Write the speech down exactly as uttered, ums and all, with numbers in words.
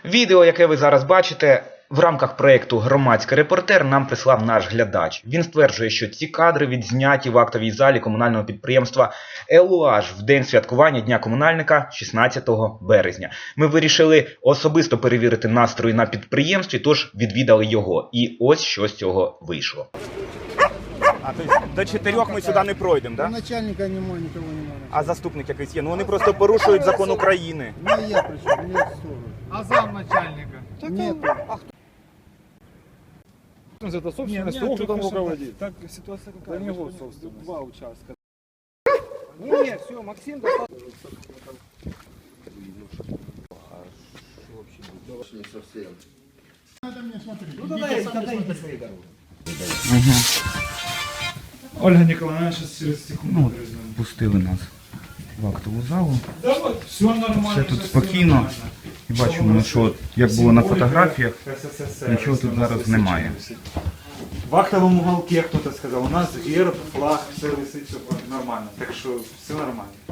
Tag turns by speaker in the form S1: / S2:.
S1: Відео, яке ви зараз бачите, в рамках проєкту «Громадський репортер» нам прислав наш глядач. Він стверджує, що ці кадри відзняті в актовій залі комунального підприємства «Елуаж» в день святкування Дня комунальника шістнадцятого березня. Ми вирішили особисто перевірити настрої на підприємстві, тож відвідали його. І ось що з цього вийшло.
S2: А, то есть до чотирьох ми сюди не пройдемо,
S3: Да?
S2: да?
S3: Начальника немає, нікого немає.
S2: А заступник якийсь є? Ну вони просто порушують закон України.
S3: Ну я причем, нет ссоры.
S4: А замначальника?
S3: Нет.
S5: Это собственность,
S4: Нет,
S5: кто там
S4: только
S5: руководит?
S4: Так, ситуация какая?
S5: Да не
S4: Вы
S5: вот
S4: же
S5: собственность.
S4: Два участка. Не, не, все, Максим достал. Ольга Николаевна, сейчас через секунду.
S1: Ну, пустили нас в актову залу.
S4: Да вот, все нормально.
S1: Все тут спокійно. І бачимо, що як було на фотографіях, нічого тут зараз немає.
S5: В актовом уголке кто-то сказал, у нас герб, флаг, все висит, все нормально. Так что все нормально.